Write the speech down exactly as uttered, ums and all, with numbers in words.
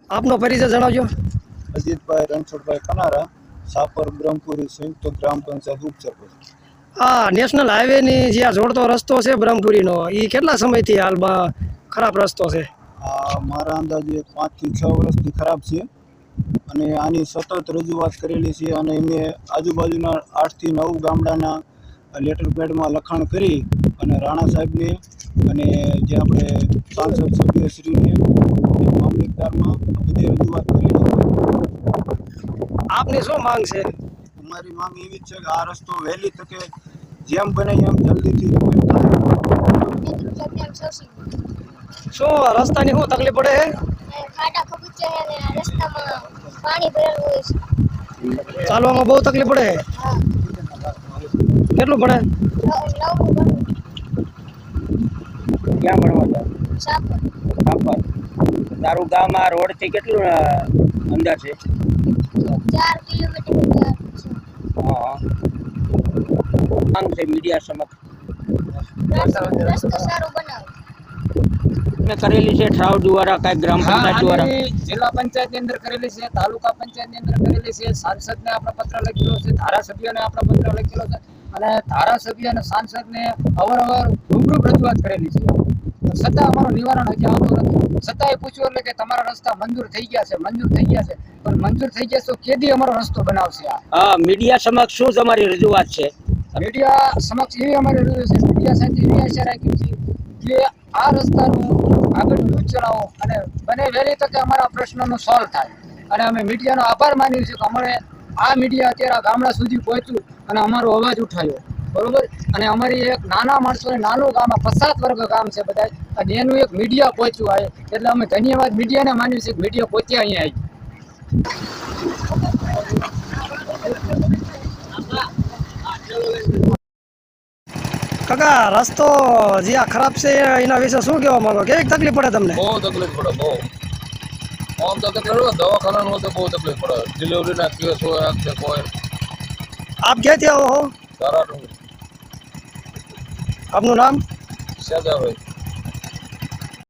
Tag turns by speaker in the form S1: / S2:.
S1: આપનો પરિચય જણાવજો।
S2: અજીતભાઈ રણછોડભાઈ કનારા, સાપર બ્રહ્મપુરી સંયુક્ત ગ્રામ પંચાયત ઉપસરપંચ।
S1: આ નેશનલ હાઈવે ની જે આ જોડતો રસ્તો છે બ્રહ્મપુરીનો, એ કેટલા સમયથી હાલમાં ખરાબ રસ્તો છે?
S2: આ મારા અંદાજે પાંચ થી છ વર્ષથી ખરાબ છે અને આની સતત રજૂઆત કરેલી છે અને એમે આજુબાજુના આઠ થી નવ ગામડાના લેટર પેડમાં લખાણ કરી અને રાણા સાહેબને અને જે આપણે સાંસદ સભ્યશ્રીને મામલતદારમાં બધી રજૂઆત કરેલી છે।
S1: આપની શું માંગ છે?
S2: અમારી માંગ એવી જ છે કે આ રસ્તો વહેલી તકે જેમ બને એમ જલ્દીથી રિપેર થાય।
S1: શું રસ્તાની શું તકલીફ પડે છે?
S3: ખાડા ખબુચિયા હે ને રસ્તામાં પાણી ભરેલું હોય છે।
S1: ચાલવામાં બહુ તકલીફ પડે છે?
S3: હા,
S1: કેટલું પડે?
S3: નવમું ભણવું
S4: ક્યાં ભણવા જાવ?
S3: સાપર
S4: સાપર। તારું ગામ આ રોડ થી કેટલું અ, અંદર છે?
S3: ચાર કિલોમીટર ચાર છે।
S4: હા, માંગ છે મીડિયા સમક્ષ
S3: રસ્તો રસ્તો સારો બનાવો।
S4: મેં કરેલી છે ઠરાવ દ્વારા, કઈ ગ્રામ પંચાયત દ્વારા?
S5: જિલ્લા પંચાયત ની અંદર કરેલી છે, તાલુકા પંચાયત ની અંદર કરેલી છે, સાંસદ ને આપણે પત્ર લખેલો છે, ધારાસભ્યોને આપણે પત્ર લખેલો છે અને ધારાસભ્ય અને સાંસદ ને અવારનવાર રૂબરૂ રજૂઆત કરેલી છે, છતાં અમારું નિવારણ હજી આવતું નથી। છતાંય પૂછ્યું એટલે કે તમારા રસ્તા મંજૂર થઈ ગયા છે, મંજૂર થઈ ગયા છે, પણ મંજૂર થઈ ગયા તો કેદી અમારો રસ્તો બનાવશે?
S4: હા, મીડિયા સમક્ષ શું તમારી રજૂઆત છે?
S5: મીડિયા સમક્ષ એવી અમારી રજૂઆત છે, મીડિયા સાથે એવી આશા રાખી છે કે આ રસ્તાનું આગળ ન્યૂઝ ચલાવો અને બને વહેલી તકે અમારા પ્રશ્નનો સોલ્વ થાય। અને અમે મીડિયાનો આભાર માનીએ છીએ કે અમારે આ મીડિયા અત્યારે ગામડા સુધી પહોંચ્યું અને અમારો અવાજ ઉઠાવ્યો, બરોબર। અને અમારી એક નાના માણસોને નાનું ગામ, પછાત વર્ગ ગામ છે બધા, અને એનું એક મીડિયા પહોંચ્યું આવે એટલે અમે ધન્યવાદ મીડિયાને માનીએ છીએ કે મીડિયા પહોંચ્યા અહીંયા આવી।
S1: કાકા, રસ્તો જે આ ખરાબ છે એના વિશે શું કહેવા માંગો? કેવી તકલીફ પડે તમને?
S6: બહુ તકલીફ પડે, બહુ આમ તો તકલીફ પડે, દવાખાના હોય તો બહુ તકલીફ પડે, ડિલિવરીના કેસ હોય, આ કે કોઈ।
S1: આપ ક્યાંથી આવો છો?
S6: સારા
S1: આપનું નામ?
S6: સજાભાઈ।